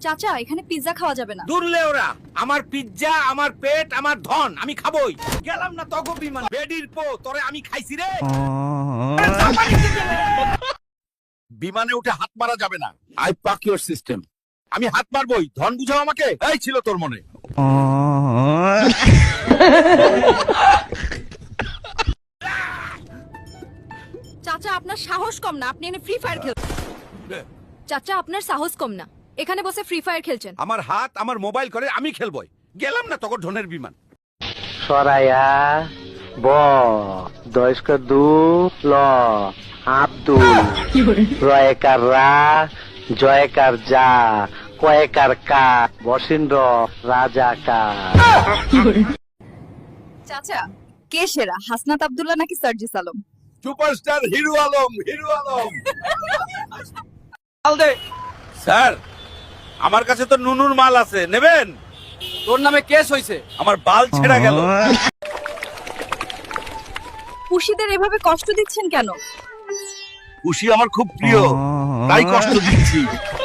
চাচা এখানে পিৎজা খাওয়া যাবে না। দূরলে ওরা আমার পিজ্জা আমার পেট আমার ধন আমি খাবই গেলাম না তগো বিমান বেডির পো তোরে আমি খাইছি রে বিমানে উঠে হাত মারা যাবে না আই পাক ইওর সিস্টেম আমি হাত মারবই ধন বুঝাও আমাকে এই ছিল তোর মনে চাচা আপনার সাহস কম না, আপনি এখানে ফ্রি ফায়ার খেলছেন। চাচা আপনার সাহস কম না, এখানে বসে ফ্রি ফায়ার খেলছেন। আমার হাত আমার মোবাইল করে আমি খেলবই গেলাম না তগো ধনের বিমান সরায়া ব দয়স্কর দু ল আব্দুল রয়কার রা জয়কার যা কয়েকার কা বসিন্দ্র রাজা কা। চাচা কে সেরা, হাসনাত আব্দুল্লাহ নাকি Sarjis Alam? Superstar hero Alam sir আমার কাছে তো নুনুর মাল আছে নেবেন তোর নামে কেস হইছে। আমার বাল ছেঁড়া গেল পুষিদের এভাবে কষ্ট দিচ্ছেন কেন? খুশি আমার খুব প্রিয় তাই কষ্ট দিচ্ছি